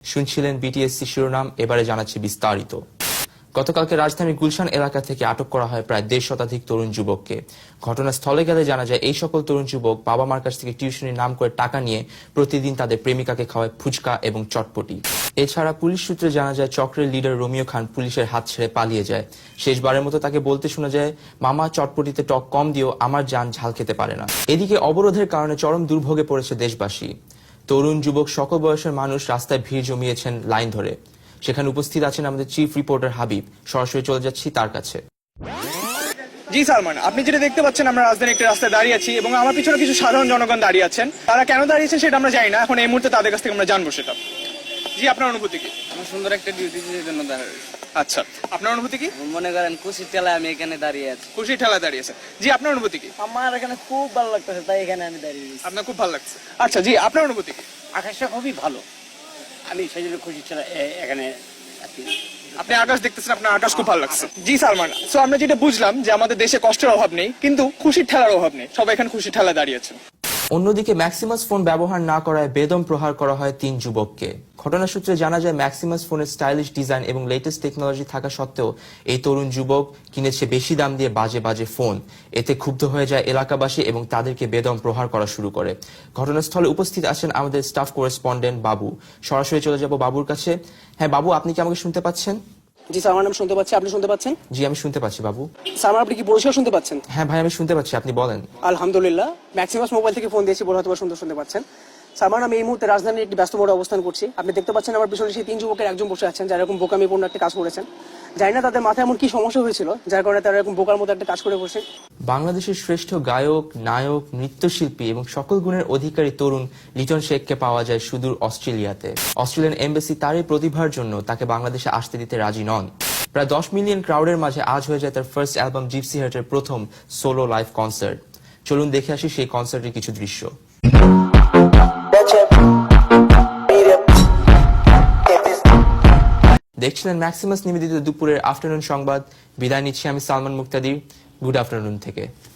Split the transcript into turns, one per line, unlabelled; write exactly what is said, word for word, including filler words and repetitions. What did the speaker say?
শুনছিলেন বিটিএসসি শিরোনাম, এবারে জানাচ্ছি বিস্তারিত। গতকালকে রাজধানীর গুলশান এলাকা থেকে আটক করা হয় প্রায় দেড় শতাধিক তরুণ যুবককে। ঘটনাস্থলে গেলে জানা যায় এই সকল তরুণ যুবক বাবা মার কাছ থেকে টিউশনির নাম করে টাকা নিয়ে প্রতিদিন তাদের প্রেমিকাকে খাওয়ায় ফুচকা এবং চটপটি। এছাড়া পুলিশ সূত্রে জানা যায় চক্রের লিডার রোমিও খান পুলিশের হাত ছেড়ে পালিয়ে যায়। শেষবারের মতো তাকে বলতে শোনা যায়, মামা চটপটিতে টক কম দিও, আমার জান ঝাল খেতে পারে না। এদিকে অবরোধের কারণে চরম দুর্ভোগে পড়েছে দেশবাসী। তরুণ যুবক সকল বয়সের মানুষ রাস্তায় ভিড় জমিয়েছেন লাইন ধরে। সেখানে উপস্থিত আছেন আমাদের চিফ রিপোর্টার হাবিব। সরাসরি চলে যাচ্ছি তার কাছে।
জি সালমান, আপনি যেটা দেখতে পাচ্ছেন, আমরা রাজধানীর একটা রাস্তায় দাঁড়িয়ে আছি এবং আমার পিছনে কিছু সাধারণ জনগণ দাঁড়িয়ে আছেন। তারা কেন দাঁড়িয়েছেন সেটা আমরা জানি না, এখন এই মুহূর্তে তাদের কাছ থেকে আমরা জানবো সেটা। জি, আপনার অনুভূতি কি?
আমার সুন্দর একটা ডিউটি জন্য দাঁড়িয়ে।
আচ্ছা, আপনার অনুভূতি কি?
মনে করেন খুশির ঠেলায় আমি এখানে দাঁড়িয়ে আছি।
খুশির ঠেলা দাঁড়িয়েছে। জি, আপনার অনুভূতি কি?
আমার এখানে খুব ভালো লাগতেছে, তাই এখানে আমি দাঁড়িয়ে আছি।
আপনার খুব ভালো লাগছে। আচ্ছা জি, আপনার অনুভূতি কি?
আকাশটা খুবই ভালো, আমি সেই জন্য খুশি ছিল এখানে।
আপনি আকাশ দেখতেছেন, আপনার আকাশ খুব ভালো লাগছে। জি সালমান, সো আমরা যেটা বুঝলাম যে আমাদের দেশে কষ্টের অভাব নেই, কিন্তু খুশির ঠেলার অভাব নেই। সবাই এখানে খুশির ঠেলা দাঁড়িয়েছেন।
অন্যদিকে ম্যাক্সিমাস ফোন ব্যবহার না করায় বেদম প্রহার করা হয় তিন যুবককে। ঘটনা সূত্রে জানা যায় ম্যাক্সিমাস ফোনের স্টাইলিশ ডিজাইন এবং লেটেস্ট টেকনোলজি থাকা সত্ত্বেও এই তরুণ যুবক কিনেছে বেশি দাম দিয়ে বাজে বাজে ফোন। এতে ক্ষুব্ধ হয়ে যায় এলাকাবাসী এবং তাদেরকে বেদম প্রহার করা শুরু করে। ঘটনাস্থলে উপস্থিত আছেন আমাদের স্টাফ করেসপন্ডেন্ট বাবু। সরাসরি চলে যাব বাবুর কাছে। হ্যাঁ বাবু, আপনি কি আমাকে শুনতে পাচ্ছেন?
জি স্যার, আমার নাম শুনতে পাচ্ছি, আপনি শুনতে পাচ্ছেন?
জি, আমি শুনতে পাচ্ছি বাবু।
স্যার, আপনি কি পরিষ্কার শুনতে পাচ্ছেন?
হ্যাঁ ভাই, আমি শুনতে পাচ্ছি, আপনি বলেন।
আলহামদুলিল্লাহ, ম্যাক্সিমাস মোবাইল থেকে ফোন দিয়েছি বলে হয়তো সুন্দর শুনতে পাচ্ছেন। স্যার, আমি এই মুহূর্তে রাজধানীর একটি ব্যস্ত মোড়ে অবস্থান করছি। আপনি দেখতে পাচ্ছেন আমার পিছনে সেই তিন যুবকের একজন বসে আছেন যারা এরকম বোকামিপূর্ণ একটা কাজ করেছেন। জানি না তাদের মাথায় এমন কি সমস্যা হয়েছিল যার কারণে তারা এরকম বোকার মতো একটা কাজ করে বসে।
বাংলাদেশের শ্রেষ্ঠ গায়ক, নায়ক, নৃত্যশিল্পী এবং সকল গুণের অধিকারী তরুণ লিটন শেখকে পাওয়া যায় সুদূর অস্ট্রেলিয়াতে। অস্ট্রেলিয়ান এমবেসি তার এই প্রতিভার জন্য তাকে বাংলাদেশে আসতে দিতে রাজি নন। প্রায় দশ মিলিয়ন ক্রাউডের মাঝে আজ হয়ে যায় তার ফার্স্ট অ্যালবাম জিপসি হার্টের প্রথম সোলো লাইভ কনসার্ট। চলুন দেখে আসি সেই কনসার্টের কিছু দৃশ্য। দেখছিলেন ম্যাক্সিমাস নিবেদিত দুপুরের আফটারনুন সংবাদ। বিদায় নিচ্ছি আমি সালমান মুক্তাদির। গুড আফটারনুন থেকে।